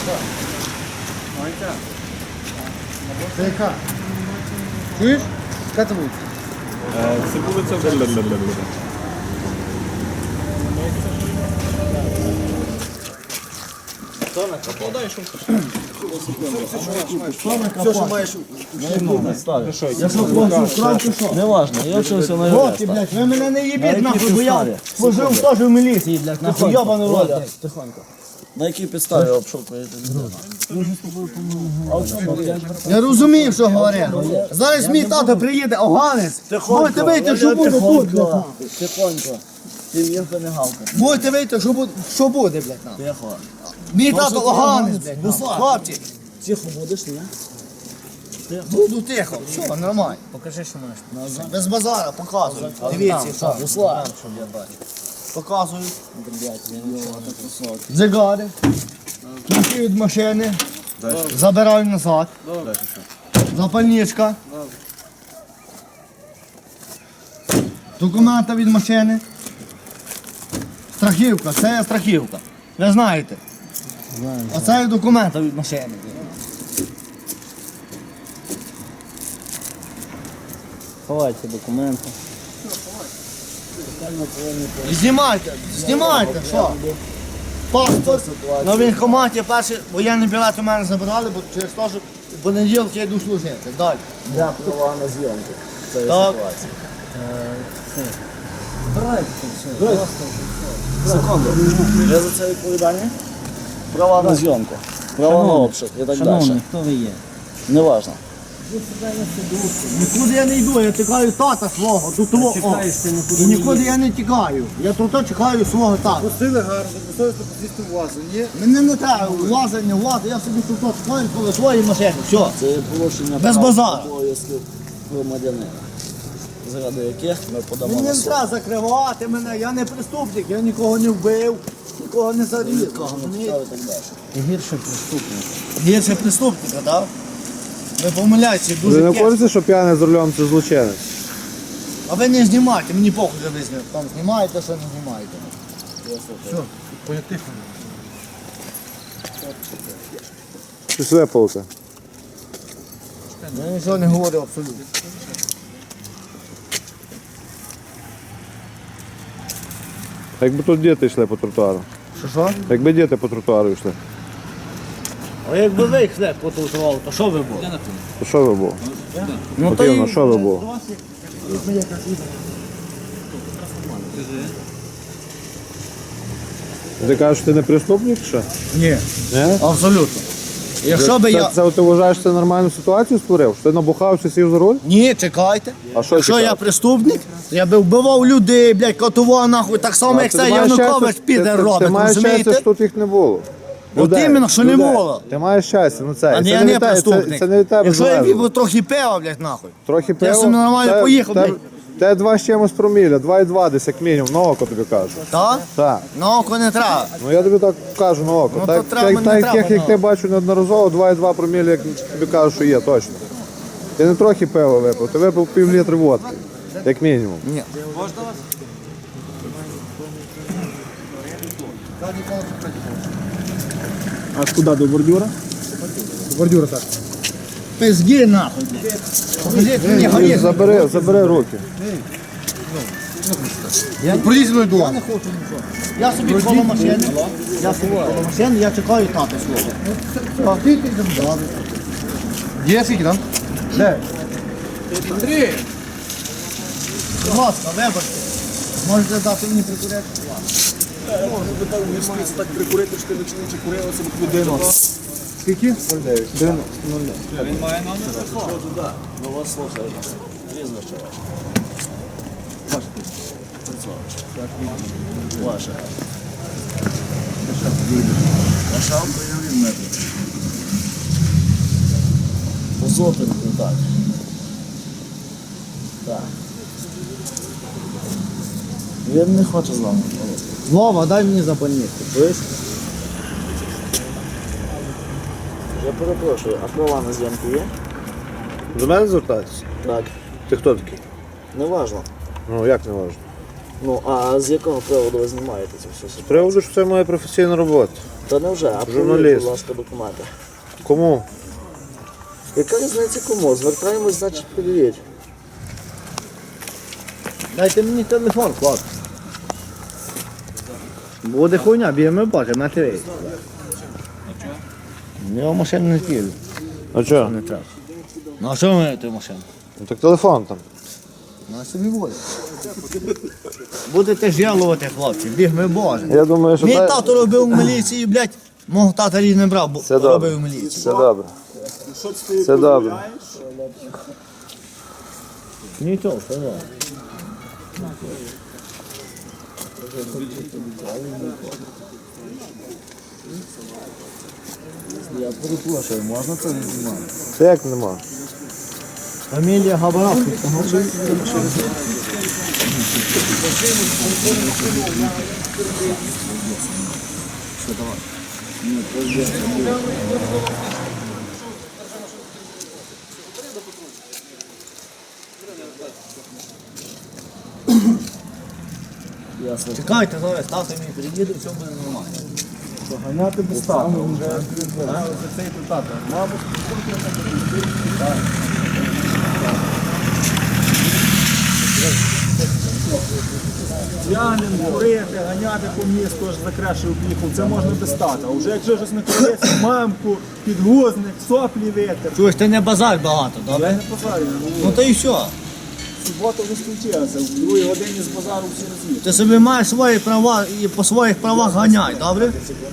Це яка? Чуєш? Яка це буде? Це вулиця. Все, що маєш. Не важно, я вчився на От, ти, блядь, ви мене не їбіть, нахуй, бо я служив теж в міліції, блядь, нахуй, йобаний рот. Тихонько. На якій підставі обшукуєте? Я розумів, що говорять. Зараз мій тато приїде, оганець. Будете вийти, що буде тут, блядь. Тихонько. Ти ніхто не гавкає. Будете вийти, що буде, блядь, нам. Тихо. Мій тато оганець, блядь, хлопці. Тихо будеш, ні? Буду тихо, все, нормально. Покажи, що маєш. Без базара, показуй. Дивіться, що. Руслан, щоб я бачив. Показую. Блядь, я не знаю, так високо. Дзигари. Ключі від машини. Забираю назад. Запальничка. Документи від машини. Страхівка, це є страхівка. Ви знаєте. А це є документи від машини. Ховайте документи. Знімайте, знімайте, що? Паспорт. На військкоматі перший воєнний білет у мене забирали, бо через те, що в понеділок я йду служити. Далі. Я права на зйомку. Це є Так. ситуація. Секунду. Ви за це відповідальні? Права на зйомку. Права на обшук і так далі. Хто ви є? Неважно. Нікуди я не йду, я чекаю тата свого, до того. І нікуди я не тікаю. Я тут чекаю свого тата. Пустили гарно, достойно посісти в вазу, ні? Мене не треба влазення, я собі тут чекаю коло своєї машини. Все. Це є порушення Без прав базару. та обов'язків громадянина, заради яких ми подамо Мені на не суд. треба закривати мене, я не преступник, я нікого не вбив, нікого не зарізав. Нікого не питав і так далі. Гірше преступник. Гірше преступника, так? Ви помиляєтеся, Ви дуже не тяжко. хочете, що п'яний за рулем це злочинець? А ви не знімайте, мені похуй, що ви там знімаєте, що не знімаєте. Щось випалите. Я нічого не говорю абсолютно. Якби тут діти йшли по тротуару. Що? Якби діти по тротуару йшли, А якби ви йшли по тротуару, то що ви були? то що ви було? Ну Потрібно, що ви було? Ти кажеш, що ти не преступник, чи що? Ні, Ні? абсолютно. Якщо би я... Це ти вважаєш, що ти нормальну ситуацію створив? Що ти набухався, сів за руль? Ні, чекайте. А що Якщо чекати? я преступник, я би вбивав людей, блядь, катував нахуй, так само, як Ти це маєш Янукович щастя- піде ти робить, маєш щастя, розумієте? що тут їх не було. От іменно, що не було. Ти маєш щастя, ну це. А це я не не від тебе- преступник. Це не від тебе Якщо я залежить. випив трохи пива, блядь, нахуй. Трохи пива. собі нормально поїхав, блядь. Те 2 з чимось проміля, 2,2 десь як мінімум, на око тобі кажу. Так? Так. На око не треба. Ну я тобі так кажу на око. Ну, так, то треба, так, не так треба, як ну. ти бачу неодноразово, 2,2 проміля, як тобі кажу, що є, точно. Ти не трохи пива випив, ти випив пів-літри водки, як мінімум. Ні. А куди, до бордюра? Бордюра так. Пизги нахуй, блядь. Покажіть мені горіх. Забери руки. Пролізь мною до. Я не хочу нічого. Я собі коло машини. Я собі коло машини, я чекаю тата свого. Є скільки там? Де? 3. Будь ласка, вибачте. Можете дати мені прикурити? Так прикурити, що ти ночничі курили, це б людину. Скільки? 09. Він має номер? Ну вас слухаю. Прізвище ваше. Ваше. Ваша приявлена. Позопинку, так. Так. Він не хоче з вами. Вова, дай мені запальничку. Чуєш? Я перепрошую, а права на зйомку є? До мене звертатися? Так. Ти хто такий? Неважно. Ну як не важливо? Ну, а з якого приводу ви знімаєте це все? З приводу, що це моя професійна робота. Та не вже, а Журналіст. провірте, будь ласка, документи. Кому? Яка різниця кому? Звертаємось, значить, перевірять. Дайте мені телефон, хлопці. Буде хуйня, б'ємо бачимо на ТВ. Я машину не кину, А що? не треба. Ну а що ми ту машину? Ну так телефон там. На собі буде. Будете жалувати, хлопці, бігми Боже. Я думаю, що Мій та- тато робив у міліції, блядь, мого тата рік не брав, бо Все добре. робив у міліції. Все добре. Що ти Все добре. Нічого, все добре. Я перепрошую, можна це не знімати? Це як нема? Фамілія Габаровський. Чекайте, зараз тато мій приїде, все буде нормально. Ганяти без тата. Цей тато. Мабуть, П'яним, курити, ганяти по місту, аж за кращою поїхав, це можна без тата. А вже якщо щось не курити, мамку, підгузник, соплі витер. чуєш, ти не базар багато, Я добре? не позарю, Ну то і все. субота вже скінчилася, в 2 годині з базару всі роз'їхали. Ти собі маєш свої права і по своїх правах ганяй, добре?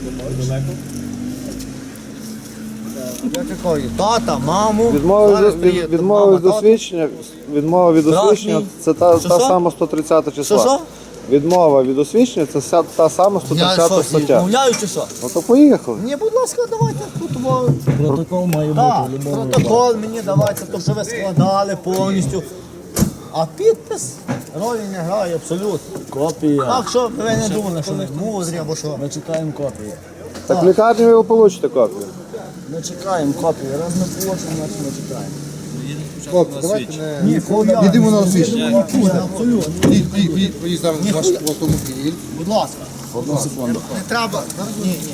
Я такий, тата, маму, зараз приїде, Відмова мама, від тато. освідчення, відмова від Брат освідчення, мій. це та Що? сама 130 числа. Що? Відмова від освідчення, це та сама Я 130 що, стаття. відмовляю чи що? Ну то поїхали. Ні, будь ласка, давайте тут. Протокол має бути Так, в любому протокол мені давайте, то що ви складали повністю. А підпис ролі не грає абсолютно. Копія. Так що ви не думали, що ви мудрі або що. Ми чекаємо копії. Так в лікарні ви получите копію. Ми чекаємо копії. Раз ми получимо, значить ми чекаємо. Хлопці, давайте не... Ні, хуя. Їдемо на освіщення. Абсолютно. Поїздимо в ваш автомобіль. Будь ласка. Одну секунду. Не треба. Ні, ні.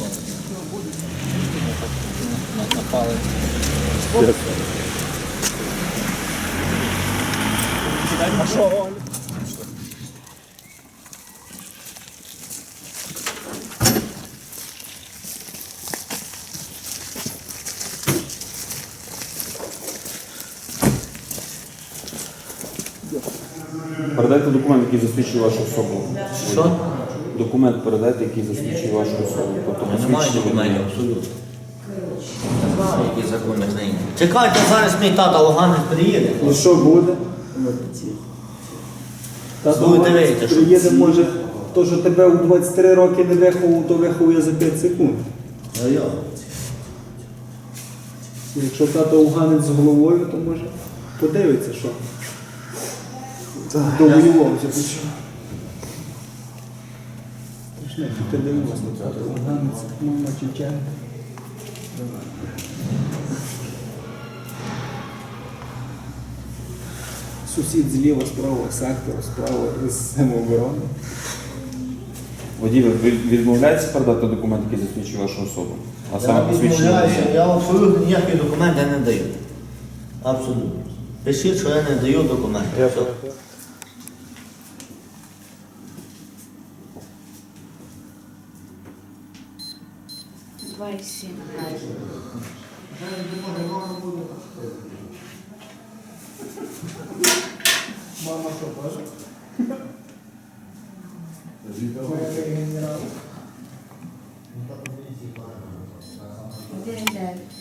Передайте документ, який засвідчує вашу особу. Що? Документ передайте, який засвідчує вашу особу. Тобто Немає посвідчення документів, водія. абсолютно. Не знаю, які закони країни. Чекайте, зараз мій тата Луганець приїде. І що буде? Будете вийти, що? Приїде, може, то, що тебе у 23 роки не виховував, то виховує за 5 секунд. Якщо тато уганець з головою, то може подивиться, що довоювався. Ти 90 тато уганець, мама Чеченка. Сусід зліва, справа сектора, справа з самооборони. Водій, ви відмовляєтеся передати документ, який засвідчує вашу особу? А саме посвідчення водія? Я абсолютно ніякі документи не даю. Абсолютно. Пишіть, що я не даю документи. Все. Два и семь. Один девять.